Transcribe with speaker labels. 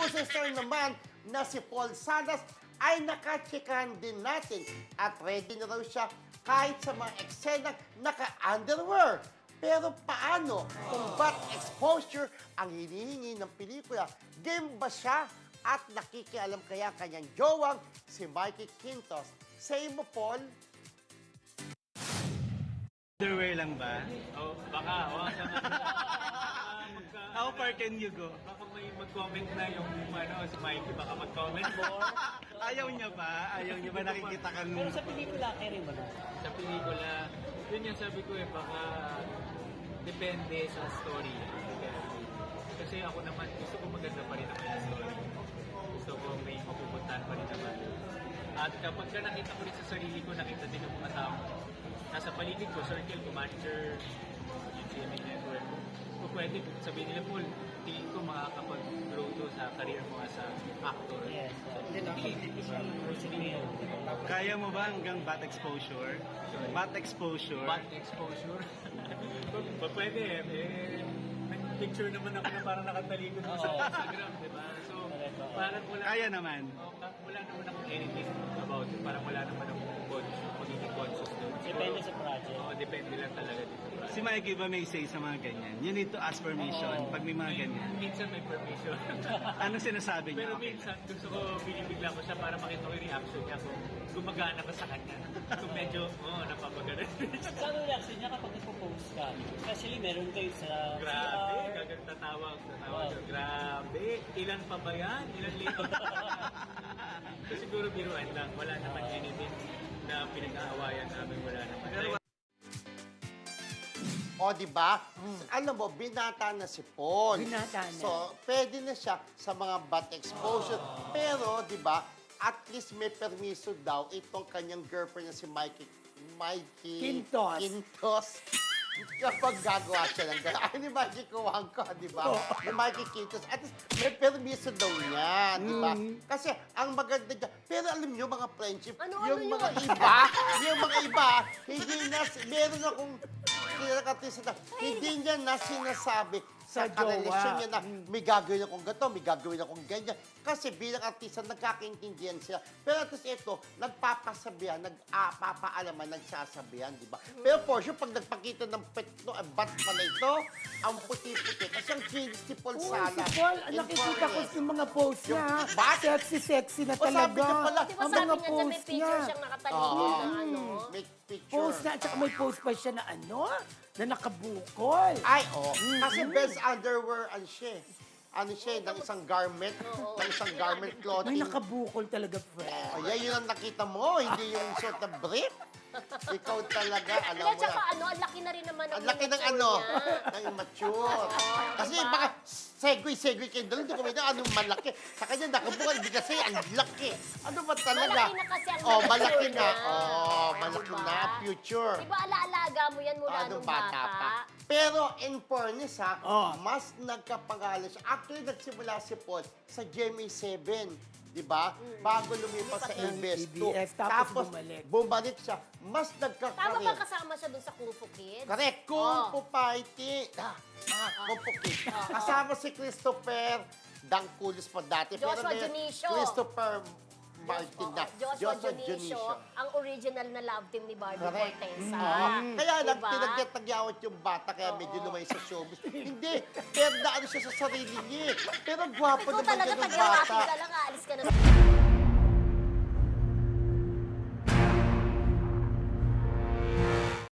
Speaker 1: Puso Star naman na si Paul Salas ay nakachikahan din natin at ready na raw siya kahit sa mga eksenang naka-underwear. Pero paano kung butt exposure ang hinihingi ng pelikula? Game ba siya? At nakikialam kaya kanyang jowang si Mikey Quintos? Say mo, Paul?
Speaker 2: Underwear lang ba?
Speaker 3: Oh, baka,
Speaker 2: How far can you go?
Speaker 3: baka may mag-comment na yung si Mikey, baka mag-comment more.
Speaker 2: Ayaw niya ba? Ayaw niya ba nakikita kang...
Speaker 4: Pero sa pelikula, carry mo na.
Speaker 3: Sa pelikula, yun yung sabi ko baka depende sa story. Kasi ako naman, gusto ko maganda pa rin naman yung story. Gusto ko may mapupuntahan pa rin naman. At kapag nakita ko rin sa sarili ko, nakita din ng mga tao nasa paligid ko, circle ko, manager, yung GMA network. Kung pwede, sabihin nila, Paul, tingin ko makakapag-grow to sa career mo as a actor.
Speaker 4: Yes.
Speaker 2: Kaya mo ba hanggang butt exposure? Butt exposure?
Speaker 3: Butt exposure. Pwede may picture naman ako na parang nakatalikod mo sa Instagram, di ba? So, parang wala.
Speaker 2: Kaya naman.
Speaker 3: Wala naman akong anything about it. Parang wala naman akong magiging conscious doon.
Speaker 4: Depende sa project.
Speaker 3: Oo, depende lang talaga dito.
Speaker 2: Si Mikey ba may say sa mga ganyan? You need to ask permission pag may mga ganyan.
Speaker 3: Minsan may permission.
Speaker 2: Anong sinasabi niya?
Speaker 3: Pero
Speaker 2: Okay.
Speaker 3: minsan gusto ko binibigla ko siya para makita ko yung reaction niya kung gumagana ba sa kanya. Kung medyo, napapagana.
Speaker 4: Saan ang reaction niya kapag nagpo-post ka? Especially meron kayo sa
Speaker 3: Grabe,
Speaker 4: CR.
Speaker 3: gagawin tatawag. Grabe, ilan pa ba yan? Ilan lito pa ba yan? So, siguro biruan lang. Wala naman anything na pinag-aawayan namin. Wala naman.
Speaker 1: O, di ba? Alam mo, binata na si Paul.
Speaker 5: Binata na.
Speaker 1: So, pwede na siya sa mga butt exposure. Pero, di ba, at least may permiso daw itong kanyang girlfriend na si Mikey
Speaker 5: Quintos.
Speaker 1: Kapag gagawa siya ng gano'n. Ay, ni Mikey Kuwangko, di ba? Ni Mikey Quintos. At least may permiso daw niya, di ba? Kasi ang maganda dyan. Pero alam niyo, mga friendship, yung mga iba, hindi na, meron akong kinakatisa na, hindi niya na sinasabi sa
Speaker 5: jowa.
Speaker 1: karelasyon niya na may gagawin akong gato, may gagawin akong ganyan. Kasi bilang artista, nagkakaintindihan sila. Pero at least ito, nagpapasabihan, nagpapaalaman, nagsasabihan, di ba? Pero for sure, pag nagpakita ng petno, bat pala ito, ang puti-puti. Kasi ang kinis ni Paul
Speaker 5: Oo,
Speaker 1: Sala.
Speaker 5: si Paul,
Speaker 1: in
Speaker 5: nakikita ko
Speaker 1: fairness.
Speaker 5: yung mga post niya.
Speaker 1: Yung bat?
Speaker 5: Sexy na
Speaker 1: O, sabi
Speaker 5: talaga.
Speaker 1: niya pala,
Speaker 6: Di ba
Speaker 5: Ang
Speaker 6: sabi
Speaker 5: mga
Speaker 6: niya dyan may
Speaker 5: post
Speaker 6: picture
Speaker 5: niya.
Speaker 6: siyang nakatalikod na ano?
Speaker 1: May picture.
Speaker 5: Post na, at saka may post pa siya na na nakabukol.
Speaker 1: Ay, kasi best underwear, ano siya, ng isang garment, ng isang garment
Speaker 5: May
Speaker 1: clothing.
Speaker 5: nakabukol talaga, friend.
Speaker 1: Ay, yun ang nakita mo, hindi yung suot na brief. Ikaw talaga, alam
Speaker 6: At
Speaker 1: mo
Speaker 6: saka
Speaker 1: na.
Speaker 6: ang laki na rin naman
Speaker 1: Ang laki ng ano,
Speaker 6: niya.
Speaker 1: ng immature. Kasi
Speaker 6: diba?
Speaker 1: baka segue kayo doon, hindi ko may anong malaki. Sa kanya nakabukal, hindi kasi ang laki. Ano ba talaga?
Speaker 6: Malaki na kasi ang
Speaker 1: Oh, malaki
Speaker 6: mature
Speaker 1: na.
Speaker 6: na.
Speaker 1: Oh, malaki
Speaker 6: Diba?
Speaker 1: na, future.
Speaker 6: Di ba alaalaga mo yan mula nung bata?
Speaker 1: Pero in fairness
Speaker 5: Oh.
Speaker 1: mas nagkapangalan siya. Actually, nagsimula si Paul sa GMA7, di ba? Bago lumipas sa
Speaker 5: Lumipas
Speaker 1: ABS2.
Speaker 5: ng ABS, tapos
Speaker 1: bumalik siya. Mas
Speaker 6: Tama ba
Speaker 1: nagkakaroon.
Speaker 6: kasama siya dun sa Kung Fu Kids?
Speaker 1: Correct. Kung Fu Fighting. Kung Fu Kids. Kasama si Christopher Dangkulis pa dati.
Speaker 6: Joshua
Speaker 1: may
Speaker 6: Junicio.
Speaker 1: Christopher Martin na.
Speaker 6: Joshua Junicio, ang original na love team ni Barbie
Speaker 1: Correct.
Speaker 6: Fortesa.
Speaker 1: Kaya lang,
Speaker 6: Diba?
Speaker 1: tinagyat-tagyawat yung bata, kaya medyo lumay sa showbiz. Hindi, pero naano siya sa sarili niya. Pero gwapo
Speaker 6: Ikaw
Speaker 1: naman
Speaker 6: talaga,
Speaker 1: yan ng
Speaker 6: tag-irapin
Speaker 1: bata.
Speaker 6: ka lang, aalis ka na sa...